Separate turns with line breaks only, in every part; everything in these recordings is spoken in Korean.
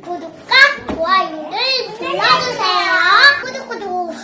구독과 좋아요를 눌러주세요. 구독.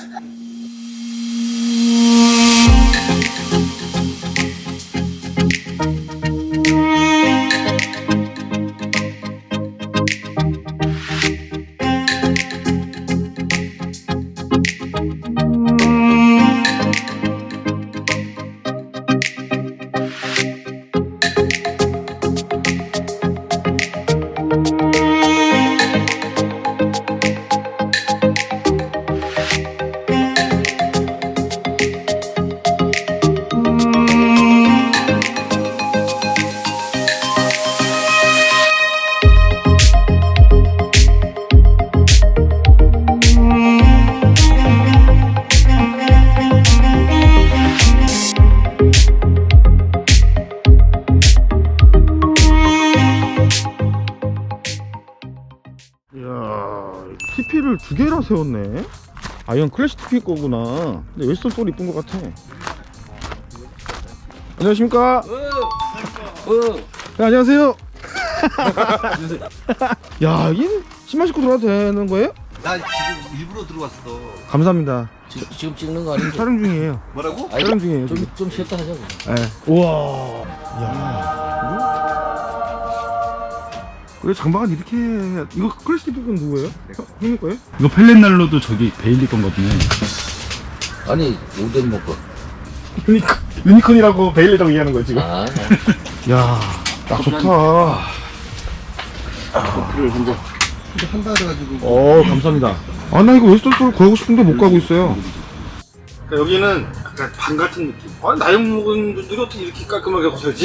TP를 두 개나 세웠네. 아, 이건 클래식 TP 거구나. 근데 웨스턴 소리 이쁜 것 같아. 안녕하십니까? 네, 안녕하세요. 야, 여긴 신발 신고 들어가도 되는 거예요?
나 지금 일부러 들어왔어.
감사합니다.
지금 찍는 거 아니지?
촬영 중이에요.
뭐라고?
아니,
촬영 중이에요. 지금.
좀 쉬었다 하자고.
네. 우와. 야. 그래, 장박은 이렇게 해야. 이거 클래식 TP 건 누구예요? 형님 거예요?
이거 펠렛날로도 저기 베일리 건거든요.
아니, 오뎅 먹고.
유니콘이라고 베일리라고 얘기하는 거야, 지금.
아,
야, 딱 좋다.
한다 그래가지고.
감사합니다. 아, 나 이거 웨스턴 소리 구하고 싶은데 못 가고 있어요. 여기는 약간 방 같은 느낌. 아, 나이 먹은 분들이 어떻게 이렇게 깔끔하게 하고 살지?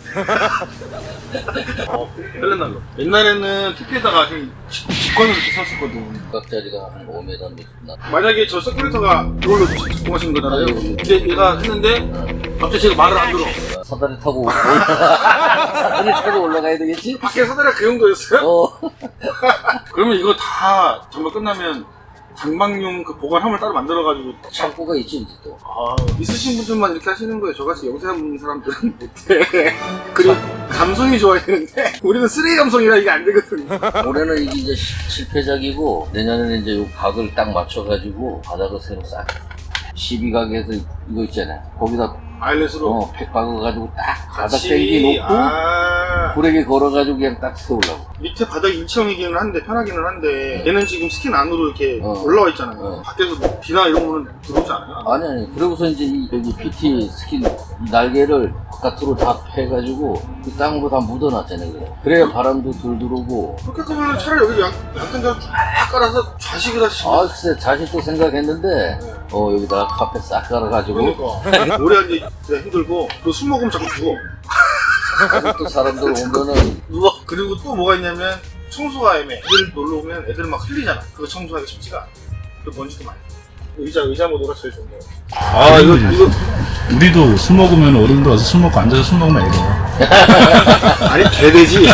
펠렛날로. 옛날에는 TP에다가 직관으로 이렇게 샀었거든.
각자리가 한 5m 정도 나.
만약에 저 서큘레이터가 이걸로 작동하시는 거잖아요. 근데 얘가 했는데 갑자기 제가 말을 안 들어.
사다리 타고 사다리 타고 올라가야 되겠지?
밖에 사다리가 그 정도였어요?
어.
그러면 이거 다 정말 끝나면 장박용 그 보관함을 따로 만들어가지고
창고가 있지 이제 또.
있으신 분들만 이렇게 하시는 거예요. 저같이 영세한 사람들은 못해. 그리고 감성이 좋아야 되는데 우리는 쓰레기 감성이라 이게 안 되거든.
올해는 이게 이제 실패작이고 내년에는 이제 요 각을 딱 맞춰가지고 바닥을 새로 싹 12각에서 이거 있잖아. 거기다
아일렛으로
팩 박아가지고 딱 바닥
같이
땡기 놓고 고래게 걸어가지고 그냥 딱 세우려고.
밑에 바닥이 일체형이기는 한데 편하기는 한데 얘는 지금 스킨 안으로 이렇게
어.
올라와 있잖아요.
어.
밖에서 뭐 비나 이런 거는 들어오지 않아요?
아니 그러고서 이제 여기 PT 스킨 이 날개를 바깥으로 다 패가지고 그 땅으로 다 묻어놨잖아요. 그래야 바람도 덜 들어오고.
그렇게 하면 차라리 여기 양탄자를 쫙 깔아서 좌식을 하시면
글쎄 자식도 생각했는데 여기다가 카페 싹 깔아가지고
그러니까 오래 앉아 있기가 힘들고 또 술 먹으면 자꾸 죽어.
또 사람들 오면은
누워. 그리고 또 뭐가 있냐면 청소가 애매해. 애들 놀러 오면 애들 막 흘리잖아. 그거 청소하기 쉽지가 않아. 그 먼지도 많이. 의자 모드가 제일 좋은 거야. 이거
우리도 술 먹으면 어른들 와서 술 먹고 앉아서 술 먹으면 애가.
아니 개되지.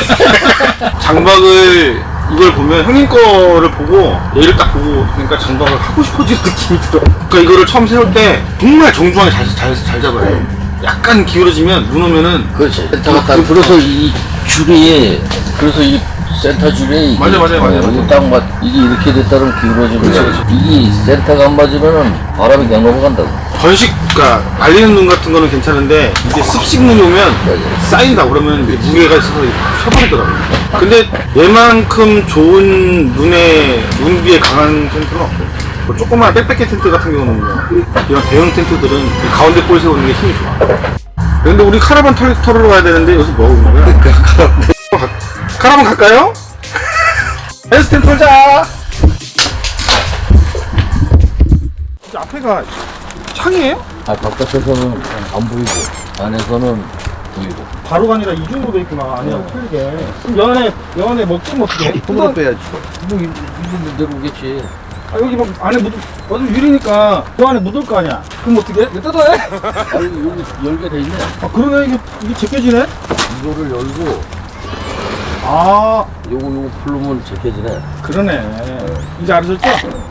장박을 이걸 보면 형님 거를 보고 얘를 딱 보고 그러니까 장박을 하고 싶어지는 느낌이 들어. 그러니까 이거를 처음 세울 때 정말 정중하게 잘 잡아야 돼. 약간 기울어지면 눈 오면은
그렇지 센터가 딱 그래서 이 줄이 그래서 이 센터 줄에
맞아.
여기 딱 이게 이렇게 됐다면 기울어지는
그렇지,
거야. 이게 센터가 안 맞으면은 바람이 그냥 넘어간다고.
번식, 그러니까 말리는 눈 같은 거는 괜찮은데 이게 습식 눈이 오면 쌓인다 그러면 무게가 있어서 펴버리더라고. 근데 얘만큼 좋은 눈비에 강한 텐트는 없고 뭐 조그만 빽빽이 텐트 같은 경우는 이런 대형 텐트들은 이 가운데 볼 세우는 게 힘이 좋아. 근데 우리 카라반 털으러 가야 되는데 여기서 뭐 하고 있는 거야? 카라반 갈까요? 헬스텐 털자. 이제 앞에가 창이에요?
바깥에서는 안 보이고 안에서는 보이고.
바로가 아니라 이중으로 돼 있구나. 아니야, 틀리게. 그럼 연안에 먹긴 어떻게?
손으로 빼야지.
뭐 이거 내려오겠지.
여기 막 안에 완전 유리니까 그 안에 묻을 거 아니야. 그럼 어떻게? 이거 뜯어야 해?
아니 여기 열게 돼 있네.
그러네. 이게 제껴지네?
이거를 열고 요거 풀르면 제껴지네.
그러네. 이제 알아졌죠?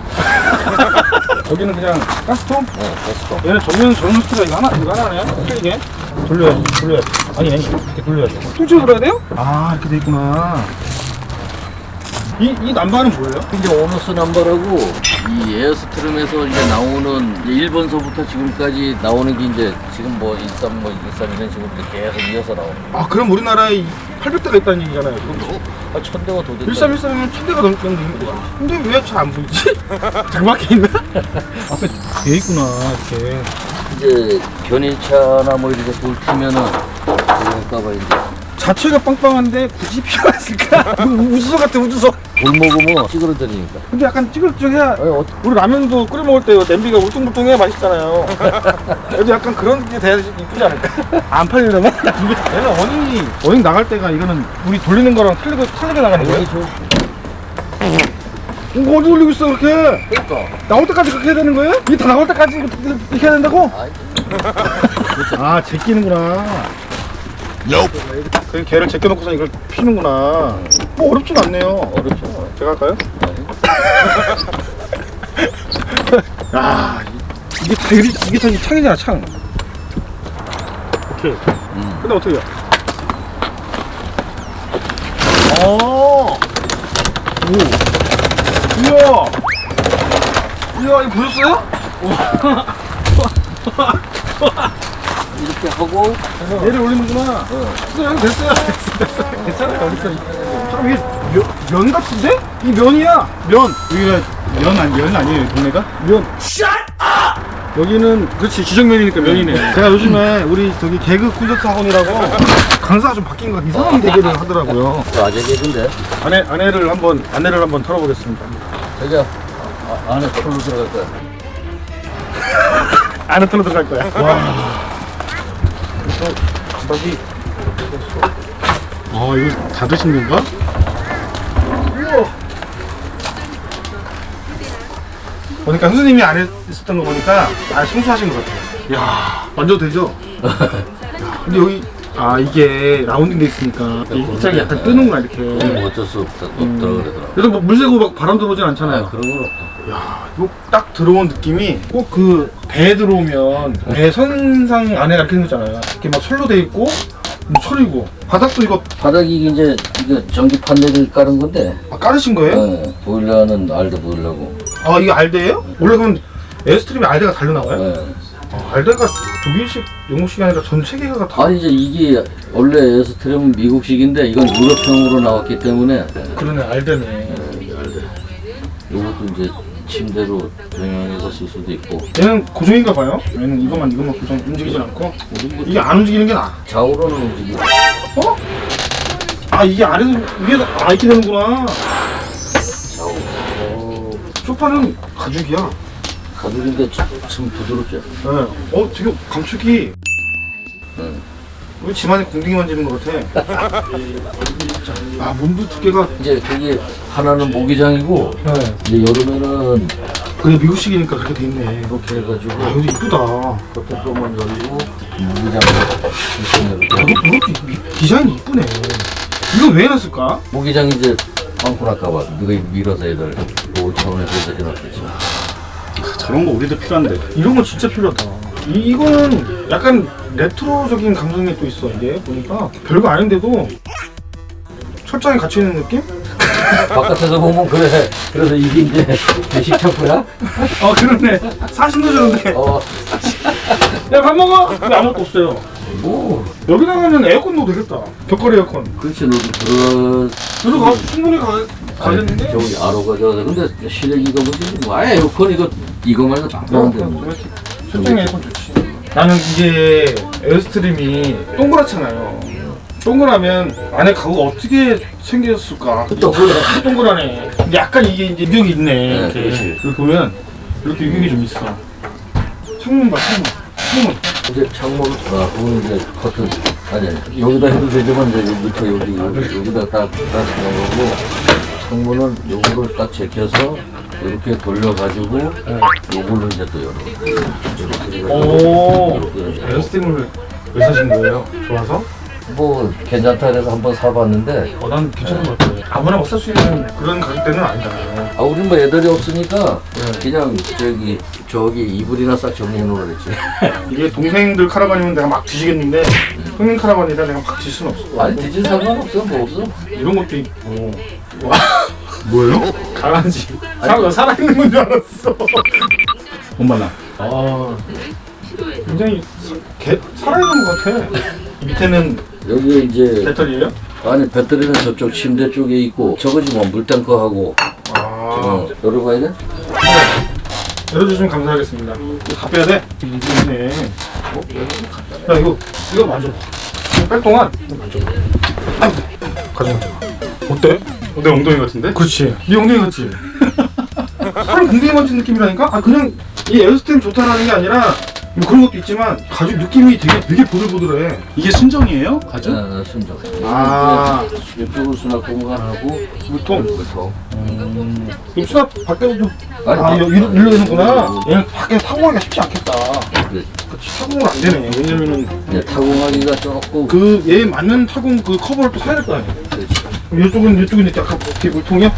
여기는 그냥 가스통?
네, 됐어.
얘는 전면 스티가 이거 하나네? 틀리게? 돌려야지. 아니, 이렇게 돌려야지. 통째로 돌아야 돼요? 이렇게 돼 있구나. 이 남바는 뭐예요?
이제 오너스 넘버라고 이 에어스트림에서 이제 나오는 이제 1번서부터 지금까지 나오는 게 이제 지금 뭐 13, 뭐 13 이런 식으로 이렇게 계속 이어서 나오는 거예요.
아 그럼 우리나라에 800대가 있다는 얘기잖아요. 그럼
1000대가 더 된다.
1313이면 1000대가 넘는 거야. 근데 왜 잘 안 보이지? 장밖에 있나? 앞에 돼 있구나 이렇게.
이제 견인차나 뭐 이렇게 돌치면은 그럴까봐 이제
자체가 빵빵한데 굳이 필요했을까? 우주소 같아 우주소.
돌 먹으면 찌그러뜨리니까.
근데 약간 찌글찌글해야
아니,
우리 라면도 끓여 먹을 때 냄비가 울퉁불퉁해야 맛있잖아요. 그래도 약간 그런 게 돼야 이쁘지 않을까? 안 팔리려나? 얘는 어닝 나갈 때가 이거는 우리 돌리는 거랑 틀리게 나가는 거예요? 이거 어디 돌리고 있어 그렇게?
그러니까.
나올 때까지 그렇게 해야 되는 거예요? 이게 다 나올 때까지 이렇게 해야 된다고?
아이,
아 제끼는구나. 그냥 개를 제껴놓고서 이걸 피는구나. 뭐 어렵진 않네요.
어렵죠.
제가 할까요? 야 이게 다 이게 다 창이잖아 창. 오케이. 근데 어떻게 해요? 오. 우와. 이야 이거 보셨어요?
이렇게 하고
얘를 올리는구나. 됐어요. 됐어. 괜찮아요. 잠깐 이게 면 같은데? 이 면이야. 면. 여기가 면 아니에요 동네가? 면. 여기는 그렇지 지정면이니까 면이네. 제가 요즘에 우리 저기 개그 콘서트 학원이라고 강사가 좀 바뀐 거 이상한 대결을 하더라고요.
저 아재 개근데
안내를 한번 털어보겠습니다.
저기야 안에 풀로 들어갈 거야.
안에 털어 들어갈 거야. 와. 감박이. 아 이거 다 드신 건가? 우와. 보니까 선생님이 안에 있었던 거 보니까 청소하신 것 같아요. 이야 만져도 되죠? 근데 여기 이게 라운딩 돼 있으니까 이 짝이 약간 뜨는구나 이렇게.
어쩔 수 없더라 그러더라고.
그래도 뭐 물 새고 막 바람 들어오진 않잖아요.
아, 그런 건 없다.
야, 이거 딱 들어온 느낌이 꼭 그 배에 들어오면 배 선상 안에 이렇게 생겼잖아요. 이렇게 막 철로 돼 있고 뭐 철이고 바닥도 이거
바닥이 이제 이거 전기 판넬을 깔은 건데
깔으신 거예요?
네, 보일러는 알드 보일러고.
아 이게 알데예요? 원래 그럼 에어스트림에 알데가 달려 나와요?
네.
알데가 독일식, 영국식이 아니라 전 세계가 다
아니 이제 이게 원래 에어스트림은 미국식인데 이건 유럽형으로 나왔기 때문에
그러네 알데네.
이것도 이제 침대로 병행해서 쓸 수도 있고.
얘는 고정인가 봐요? 얘는 이것만 고정 움직이진 않고 이게 안 움직이는 게 나아.
좌우로는 움직이고.
어? 아 이게 아래도 위에 이렇게 되는구나.
좌우.
소파는 가죽이야.
가죽인데 참 부드럽죠.
네. 되게 감촉이. 우리 집안에 공둥이 만지는 것 같아. 아 문도 두께가.
이제 그게 하나는 모기장이고
네.
이제 여름에는
그게 미국식이니까 그렇게 돼 있네.
이렇게 해가지고
아 여기 이쁘다.
겉에 조금만 열리고 모기장
이것도 디자인이 이쁘네. 이거 왜 해놨을까?
모기장 이제 빵꾸 날까봐 누가 밀어서 애들 보호 차원에서 해놨겠지.
저런 거 우리도 필요한데. 이런 거 진짜 필요하다. 이거는 약간 레트로적인 감성이 또 있어. 이게 보니까 별거 아닌데도 철장에 갇혀 있는 느낌?
바깥에서 보면 그래. 그래서 이게 이제 배식 창고야?
그러네. 40도 주는데. 야 밥 먹어. 왜 아무것도 없어요?
뭐
여기다가는 에어컨 넣어도 되겠다. 벽걸이 에어컨.
그렇지 너도
들어가 충분히 가겠는데?
저기 아로가 저거 근데 실내기가 문제지 뭐. 아예 에어컨 이거 말고 다 나는데 뭐.
설정이 에어컨 좋지. 나는 이게 에어스트림이 동그랗잖아요. 동그라면 안에 가구가 어떻게 생겼을까? 동그라네. 근데 약간 이게 이제 유격이 있네.
네,
이렇게.
그렇지.
이렇게 보면 이렇게 유격이 좀 있어. 창문 봐, 창문.
이제 창문 그건 이제 커튼 아니 여기다 해도 되지만 이제 여기부터 여기다 딱 넣는 거고 창문은 요거를 딱 제껴서 이렇게 돌려가지고 요걸로 이제 또 열어.
오, 에어스트림을 왜 사신 거예요? 좋아서?
뭐 괜찮다 그래서 한번 사봤는데
난 괜찮은 것 같아요. 아무나 막 살 수 있는 그런 가격대는 아니잖아요.
우린 뭐 애들이 없으니까 그냥 저기 이불이나 싹 정리해 놓으라 그랬지.
이게 동생들 카라반이면 내가 막 뒤지겠는데 형님 카라반이라 내가 막 뒤질 수는 없어.
아니 뒤진 상관없어 뭐 없어.
이런 것도 있고 와 뭐예요? 강아지. 살아있는 건 줄 알았어. 엄마나. 아, 굉장히 살아있는 것 같아. 밑에는
여기 이제
배터리예요?
아니 배터리는 저쪽 침대 쪽에 있고 저거지 뭐 물탱커하고 열어봐야 돼?
열어주시면 감사하겠습니다. 이거 다 빼야 돼? 이거네. 야 이거 만져봐. 이거 뺄 동안 이거 만져봐. 가져가. 어때? 내 엉덩이 같은데? 그렇지. 네 엉덩이 같지? 사람 엉덩이 만진 느낌이라니까? 아 그냥 이 에어스템 좋다라는 게 아니라 뭐 그런 것도 있지만 가죽 느낌이 되게 보들보들해.
이게 순정이에요? 가죽?
순정.
아.
이쪽으로 수납 공간하고
물통.
물통.
그럼 수납 밖에도 좀
아니,
일로 되는구나. 얘는 밖에 타공하기가 쉽지 않겠다.
그래.
그치, 타공은 안 되네. 왜냐면은
이제 타공하기가 조금
그 얘 맞는 타공 그 커버를 또 사야 될 거 아니야.
그렇지.
그럼 이쪽은 약간 어떻게 물통이야?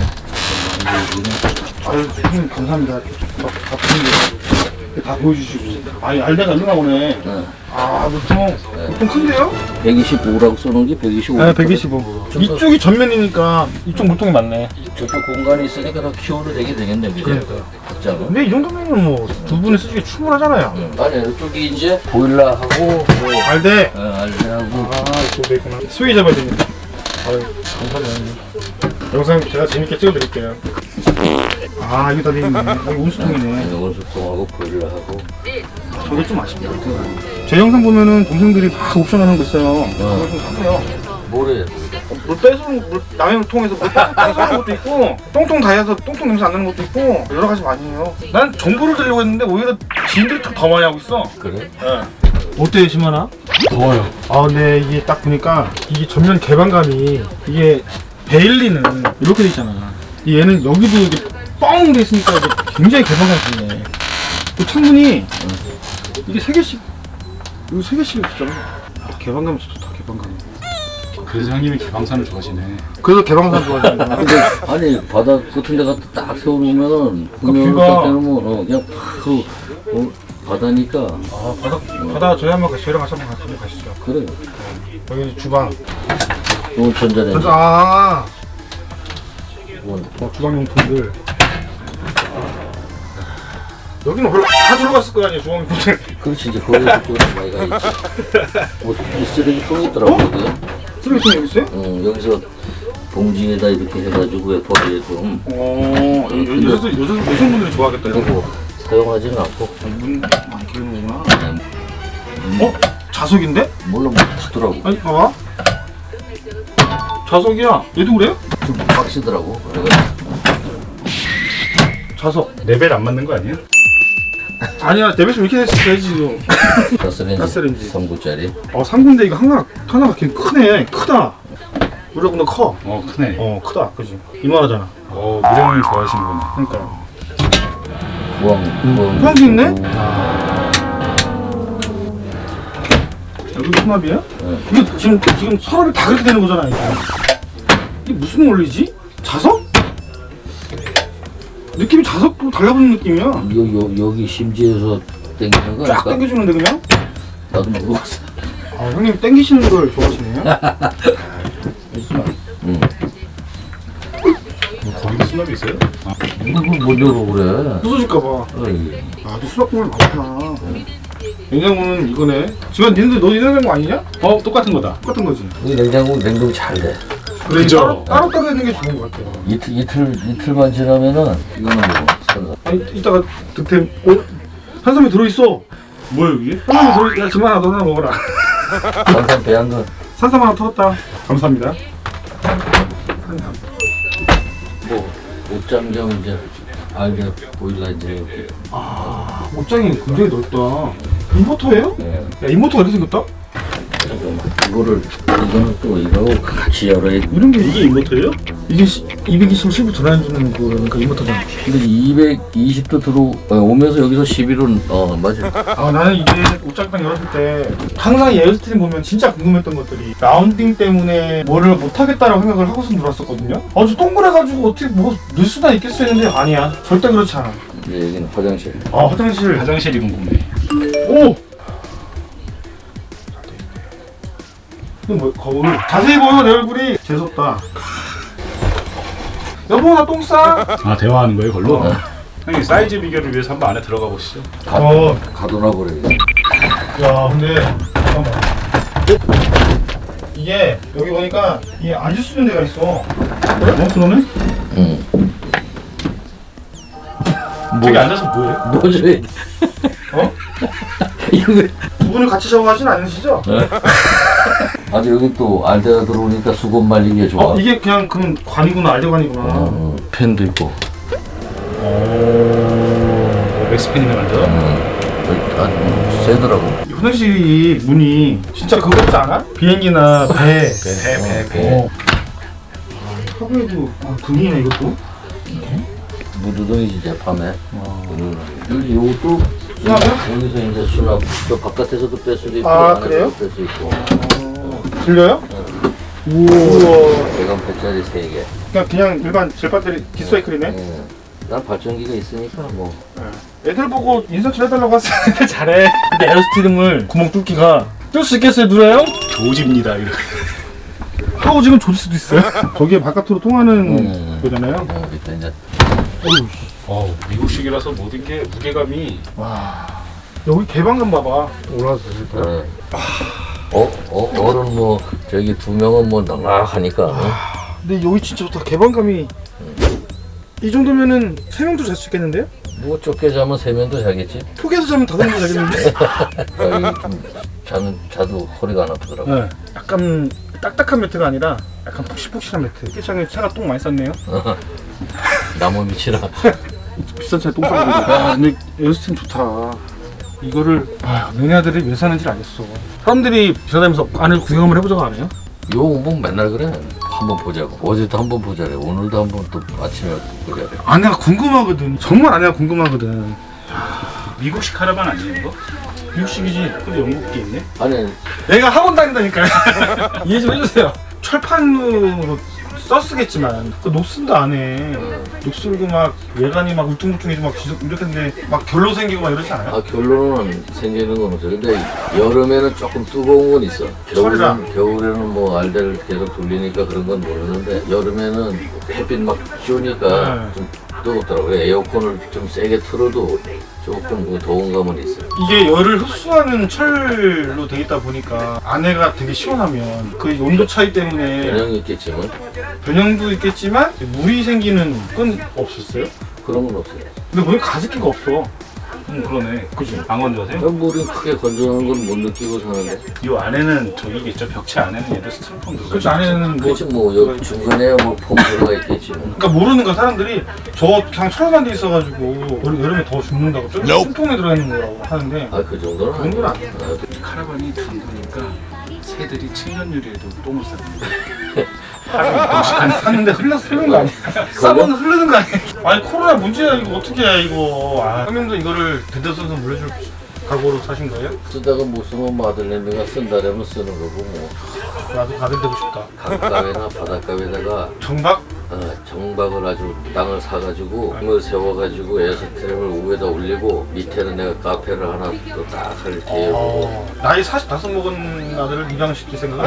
아유 형님 감사합니다. 다 보는데 다 보여주시고. 아니 알다가 일어나 보네. 아 물통 큰데요?
125라고 써놓은 게 125.
네 125. 이쪽이 전면이니까 이쪽 물통이 많네.
저쪽 공간이 있으니까 더 키워도 되겠네 그죠?
그러니까요.
각자는.
근데 이 정도면 뭐 두 분이 쓰기에 충분하잖아요.
아니 이쪽이 이제 보일러하고 뭐
알대.
알대하고
아 이쪽도 있구나. 수위 잡아야 됩니다. 아유 감사합니다. 영상 제가 재밌게 찍어드릴게요. 아 이거 다 되겠네. 여기 온수통이네.
온수통하고 보일러하고
저게 좀 아쉽다. 제 영상 보면은 동생들이 막 옵션하는 거 있어요. 그거 좀 사세요.
뭐래?
물 빼서 남의 물통에서 물 빼서 것도 있고 똥통 다해서 똥통 냄새 안 나는 것도 있고 여러 가지 많이 해요. 난 정보를 드리려고 했는데 오히려 지인들이 더 많이 하고 있어.
그래?
네. 어때요 심하나? 더워요. 아 근데 이게 딱 보니까 이게 전면 개방감이 이게 베일리는 이렇게 돼 있잖아. 얘는 여기도 이게 뻥 돼 있으니까 이게 굉장히 개방감이 좋네. 그 창문이 이게 3개씩 이거 3개씩 있잖아. 아, 개방감이 좋다. 개방감.
그래서 형님이 개방산을 좋아하시네.
그래서 개방감 좋아하는구나.
아니 바다 같은 데 갖다 딱 세워놓으면은 분명히
뷰가-
딱 되면 그냥 팍 바다니까
아 바다 저희 한번 저희랑 같이 한번 가시죠.
그래.
여기 주방.
또 전자레인지.
아
원.
주방용품들. 여기는 원래 다 들어갔을 거 아니에요 주방용품들.
그렇지 이제 거기 그쪽으로 많이 가 있지. 뭐이 쓰레기통이 있더라고 여기.
쓰레기통 여기 있어요?
여기서 봉지에다 이렇게 해가지고 버리게끔.
여성분들이 좋아하겠다 이런 거.
그리고 사용하지는 않고.
문 많이 기르는구나. 자석인데?
몰라 뭐 타더라고.
아니 봐봐. 자석이야. 얘도 그래요?
좀 빡시더라고. 그래가지고.
자석.
레벨 안 맞는 거 아니에요?
아니야 데뷔스 이렇게 됐어야지 지금. 가스레인지.
3구짜리.
3군데 이거 하나가 되게 크네. 크다. 우리보다 커.
크네.
크다. 그지? 이만하잖아.
무령님 좋아하시는구나.
그러니까.
무항도
있네? 여기 수납이야? 이게 지금 서랍이 다 그렇게 되는 거잖아. 이게 무슨 원리지? 자석? 느낌이 자석도 달라붙는 느낌이야.
여기 심지에서 땡기는 거
쫙
아닐까?
당겨주는데 그냥?
나도 모르겠어.
형님 당기시는 걸 좋아하시네요.
거기도 수납이 있어요?
이거 못 열어 그래.
부서질까봐.
어이.
또 수납공을 많구나. 냉장고는 이거네. 지금 니네들 너 냉장고 아니냐?
똑같은 거다.
똑같은 거지.
이 냉동 잘 돼.
그래,
그죠?
따로 있는 게 좋은 것 같아.
이틀만 지나면은 이거는 뭐 산삼.
아니 이따가 득템 한삼이 들어있어.
뭐야 이게?
한삼이 들어있어. 야 지금 하나 너 하나 먹어라.
산삼 배한 거.
산삼 하나 털었다. 감사합니다.
뭐 옷장경 이제 알게 보일러 이제.
옷장이 굉장히 넓다. 인버터예요?
예.
야 인버터가 이렇게 생겼다?
이거는 또 이거하고 같이 열어야.
이런 게 이게 인버터예요? 이게 220 실부 전환해주는 거니까 인버터잖아.
근데 220도 오면서 여기서 11은 맞아.
나는 이게 옷장 딱 열었을 때 항상 이 에어스트림 보면 진짜 궁금했던 것들이 라운딩 때문에 뭐를 못하겠다라고 생각을 하고서 놀았었거든요. 저 동그래가지고 어떻게 뭐 넣을 수나 있겠어 했는데 아니야. 절대 그렇지 않아.
이제 여기는 화장실.
화장실이 궁금해. 오! 이거 뭐 거울. 자세히 보여 내 얼굴이 재수없다. 여보 나 똥 싸?
아 대화하는 거예요, 걸로? 형님 사이즈 비교를 위해서 한번 안에 들어가 보시죠.
가둬놔 버려.
야 근데 잠깐만. 이게 여기 보니까 이게 앉을 수 있는 데가 있어. 그러네?
응.
저기 앉아서 뭐해?
뭐지?
어?
이거 왜?
두 분을 같이 샤워하진 않으시죠?
아주 여기 또 알데가 들어오니까 수건 말리기에 좋아.
이게 그냥 그럼 관이구나, 알대관이구나.
펜도 있고.
맥스팬이네 만들어?
아주 세더라고.
이 화장실이 문이 진짜 그거 같지 않아? 비행기나 배. 하부에도 등이네 이것도.
무드등이지 재판에. 여기 요것도 여기서 이제 수납. 저 바깥에서도 뺄 수도 있고 안에서도
그래요?
뺄 수 있고.
들려요? 우와.
대강 배짜리 3개.
그냥 일반 젤 배터리 디사이클이네.
예. 난 발전기가 있으니까 뭐.
애들 보고 인서치 해달라고 했는데 잘해. 근데 에어스티름을 구멍 뚫기가 뚫을 수 있겠어요, 누나요?
조집니다 이렇게.
하고 지금 조질 수도 있어요. 저게 바깥으로 통하는 거잖아요.
일단 이제
미국식이라서 모든 게 무게감이.
여기 개방감 봐봐.
어른 뭐 저기 2명은 뭐 넉넉하니까.
근데 여기 진짜 좋다. 개방감이. 이 정도면은 3명도 잘 수 있겠는데요?
뭐 좁게 자면 3명도 자겠지.
폭에서 자면 5명도 자겠는데?
자도 허리가 안 아프더라고.
네. 약간 딱딱한 매트가 아니라 약간 푹신푹신한 매트. 세상에 차가 똥 많이 쌌네요.
나무 밑이라.
비싼 차에 똥 싸고. 근데 에어스팀 좋다. 이거를 너네 아들이 왜 사는지 알겠어. 사람들이 지나다니면서 안을 구경 한번 해보자고 안 해요?
요 뭐 맨날 그래. 한번 보자고. 어제도 한번 보자래. 오늘도 한번 또 아침에 보자래.
아내가 궁금하거든. 정말 아내가 궁금하거든.
미국식 카라반 아니에요 이거?
미국식이지.
근데 영국게 있네?
아니
내가 학원 다닌다니까요. 이해 좀 해주세요. 철판으로 썼쓰겠지만 그 녹슨도 안 해. 녹슬고 막 외관이 막 울퉁불퉁해지고 막 이렇게 했는데 막 결로 생기고 막 이러지 않아요?
결론은 생기는 건 없어. 근데 여름에는 조금 뜨거운 건 있어. 겨울에는 뭐 알대를 계속 돌리니까 그런 건 모르는데 여름에는 햇빛 막 쬐니까 좀 뜨겁더라고요. 에어컨을 좀 세게 틀어도 조금 그 더운 감은 있어.
이게 열을 흡수하는 철로 돼 있다 보니까 안에가 되게 시원하면 그 온도 차이 때문에
변형이 있겠지만
변형도 있겠지만 물이 생기는 건 없었어요?
그런 건 없어요.
근데 보니까 가습기가 없어.
그러네.
그지?
안 건조하세요?
물이 크게 건조한 건 못 느끼고 사는데.
이 안에는 저기겠죠. 벽체 안에는 얘들 스티로폼 들어가.
그치, 안에는 뭐
그렇지 뭐 여기 중간에 뭐 폼 들어가 있겠지. 뭐.
그러니까 모르는 거 사람들이 저 그냥 철판 돼 있어가지고 여름에 더 죽는다고 숨통에 들어있는 거라고 하는데
그 정도는
그런 건
아니야.
카라반이 둥그니까 새들이 칠년유리에도 똥을 쌉니다. 하루
샀는데 흐르는 거 아니야? 싸면 흐르는 거 아니야? 아니 코로나 문제야 이거 어떻게 해 이거. 형님도 이거를 대대손손 물려줄 각오로 사신 거예요?
쓰다가 못 쓰면 마들렌드가 쓴다라면 쓰는 거고 뭐.
나도 가들 되고 싶다.
강가에나 바닷가에다가
정박?
정박을 아주 땅을 사가지고 땅을 세워가지고 에어스트림을 위에다 올리고 밑에는 내가 카페를 하나 또 딱 할 계획이고.
나이 45 먹은 아들을 입양시킬 생각은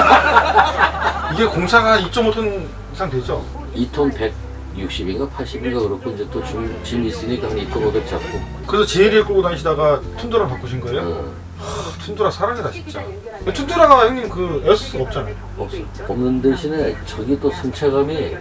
이게 공차가 2.5톤 이상 되죠?
2톤 160인가 80인가 그렇고 이제 또 짐 있으니까 한 2톤 500 잡고.
그래서 제일을 끌고 다니시다가 툰드라 바꾸신 거예요? 툰드라 사랑이다 진짜. 툰드라가 형님 그 에어스가 없잖아요.
없어. 없는 대신에 저기 또 승차감이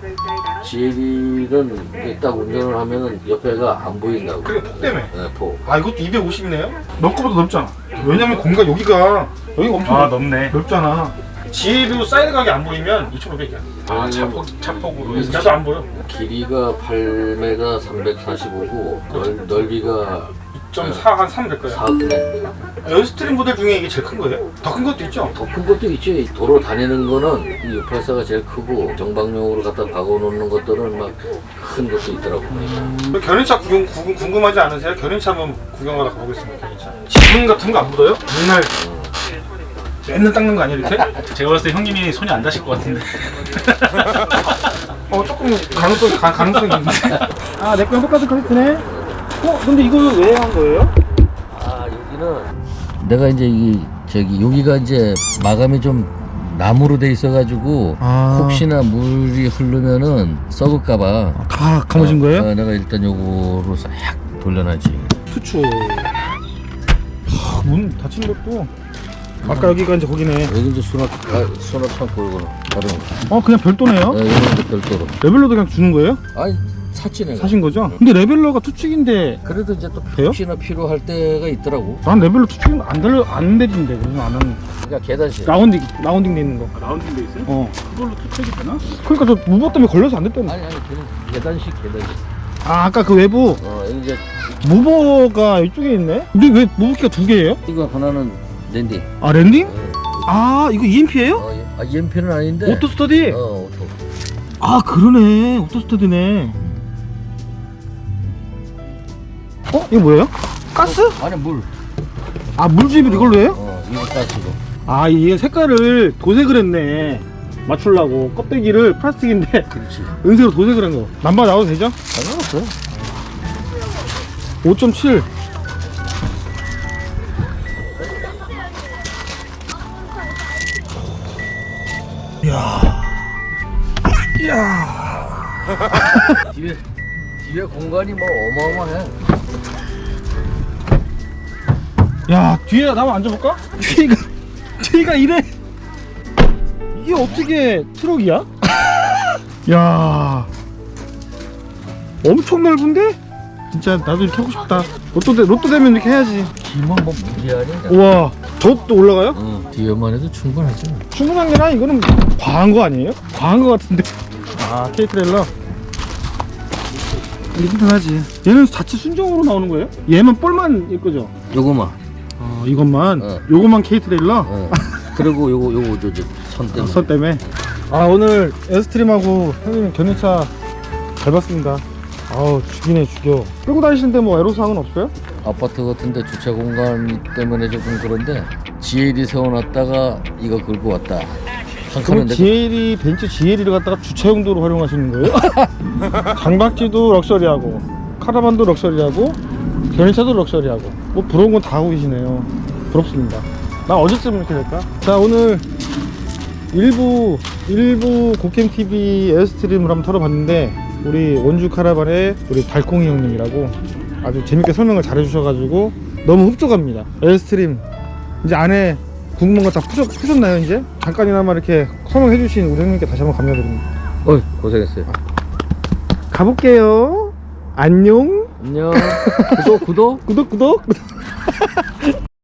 GL은 딱 운전을 하면은 옆에가 안 보인다고.
그래 폭 때문에.
네, 폭.
이것도 250이네요? 너 거보다 넓잖아. 왜냐면 공간 여기가 엄청
넓네.
넓잖아. GLU 사이드 각이 안 보이면 2,500이야.
차폭으로 해서.
나도 안 보여.
길이가 8m 345고 넓이가
2.4 한 300 거야.
4네.
에어스트림 모델 중에 이게 제일 큰 거예요? 더 큰 것도 있죠?
더 큰 것도 있지. 도로 다니는 거는 이 684가 제일 크고 정박용으로 갖다 박아놓는 것들은 막 큰 것도 있더라고.
견인차 궁금하지 않으세요? 견인차 한번 구경하러 가보겠습니다. 견인차. 지분 같은 거 안 묻어요? 맨날 닦는 거 아니야 이렇게?
제가 봤을 때 형님이 손이 안 닿으실 것 같은데.
조금 가능성이 있는데. 내 거랑 똑같은 카세트네? 근데 이거 왜 한 거예요?
여기는 내가 이제 여기가 이제 마감이 좀 나무로 돼 있어가지고
아.
혹시나 물이 흐르면은 썩을까봐
다 감으신 거예요?
내가 일단 요거로 싹 돌려놔지.
투추. 문 닫힌 것도 아까 여기가 이제 거기네.
여기 이제 수납 창고 이거는 다른 거.
그냥 별도네요?
네, 이거는 별도로.
레벨러도 그냥 주는 거예요?
아니 샀지 내가.
사신 거죠? 근데 레벨러가 투축인데
그래도 이제 또
돼요?
혹시나 필요할 때가 있더라고.
난 레벨러 투축은 안 내리는데 그래서 안 하는.
그러니까 계단식.
라운딩 돼 있는 거.
라운딩 돼 있어요? 그걸로 투척이 되나?
그러니까 저 무버 때문에 걸려서 안 됐다는.
아니 그냥 계단식.
아까 그 외부
이제
무버가 이쪽에 있네? 근데 왜 무버키가 두 개예요?
이거 하나는 랜딩.
아 랜딩? 아 이거 EMP예요?
EMP는 아닌데.
오토 스터디?
오토.
아 그러네, 오토 스터디네. 이거 뭐예요? 가스?
아니 물.
아 물주입을 이걸로 해요?
이거 가스로.
아 이게 색깔을 도색을 했네, 맞추려고. 껍데기를 플라스틱인데
그렇지.
은색으로 도색을 한 거. 남바 나와도 되죠?
상관없어.
5.7.
뒤에 공간이 뭐 어마어마해.
야 뒤에 나 한번 앉아볼까? 뒤가 이래. 이게 어떻게 트럭이야? 야 엄청 넓은데? 진짜 나도 이렇게 하고 싶다. 로또 되면 이렇게 해야지.
뒤만 뭐 문제 아니야?
우와 저것도 올라가요?
뒤에만 해도 충분하지.
충분한 게 아니라 이거는 과한 거 아니에요? 과한 거 같은데. 아 K-트레일러 이게 튼튼하지. 얘는 자체 순정으로 나오는 거예요? 얘만 볼만 예쁘죠?
요거만.
이것만? 요것만 K-트레일러?
그리고 요거 선 때문에.
선 때문에. 오늘 에어스트림하고 형님 견인차 잘 봤습니다. 아우 죽이네 죽여. 끌고 다니시는데 뭐 애로사항은 없어요?
아파트 같은데 주차 공간 때문에 조금 그런데 GL이 세워놨다가 이거 긁고 왔다. 한
그럼
칸은
벤츠 GL을 갖다가 주차 용도로 활용하시는 거예요? 장박지도 럭셔리하고 카라반도 럭셔리하고 견인차도 럭셔리하고 뭐 부러운 건 다 하고 계시네요. 부럽습니다. 나 언제쯤 이렇게 될까? 자 오늘 일부 고캠TV 에어스트림을 한번 털어봤는데 우리 원주 카라반의 우리 달콩이 형님이라고 아주 재밌게 설명을 잘 해주셔가지고 너무 흡족합니다. 에어스트림 이제 안에 궁금한 거 다 푸셨나요 이제? 잠깐이나마 이렇게 설명해주신 우리 형님께 다시 한번 감사드립니다.
고생했어요.
가볼게요. 안녕.
안녕. 구독.
구독.